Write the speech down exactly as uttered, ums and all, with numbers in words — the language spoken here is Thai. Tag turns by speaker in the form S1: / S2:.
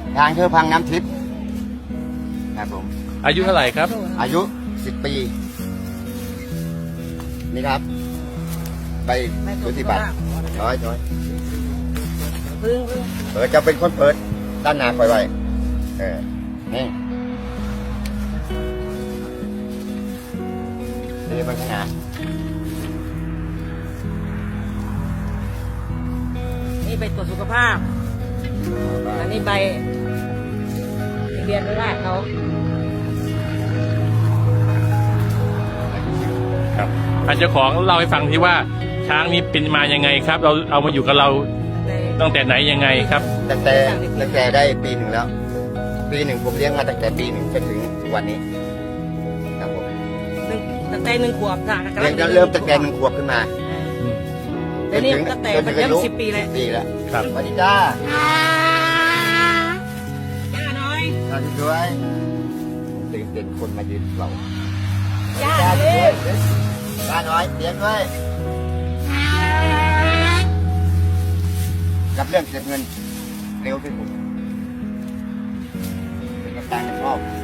S1: ช้างเชือกพังน้ำทิพย์ครับผม
S2: อายุเท่าไหร่ครับ
S1: อายุสิบปีนี่ครับใบสุทธิบัตรร้อยร้อยเออจะเป็นคนเปิดด้านหน้าคอยไว้เออนี่นี่เป็นขนาด
S3: นี่ใบตรวจสุขภาพอันนี้ใบทะเบียนราษฎร์เขา
S2: ครับท่านเจ้าของเล่าให้ฟังที่ว่าช้างนี้เป็นมายังไงครับ เราเอามาอยู่กับเราตั้งแต่ไหนยังไงครับ
S1: ตั้งแต่ตั้งแต่ได้ปีหนึ่งแล้วปีหนึ่งผมเลี้ยงมาตั้งแต่ปีหนึ่งจนถึงวันนี้ครับผม
S3: ตั้งแต่หนึ่งขวบค่ะ
S1: เลี้ยงเริ่มตั้งแต่หนึ่งขวบขึ้นมา
S3: เดี๋ยวนี้ตั้งแต่มันเริ่มสิบปีเลย
S1: ปีแล้วครับสวัสดีจ้า
S3: ย่าน้อย
S1: สวัสดีด้วยตื่นเต้นคนมายืนเรา
S3: ย่าด้วย
S1: ย่าน้อยเลี้ยงด้วยกับเรื่องเก็บเงินเร็วที่สุดเป็นกำลังชอบ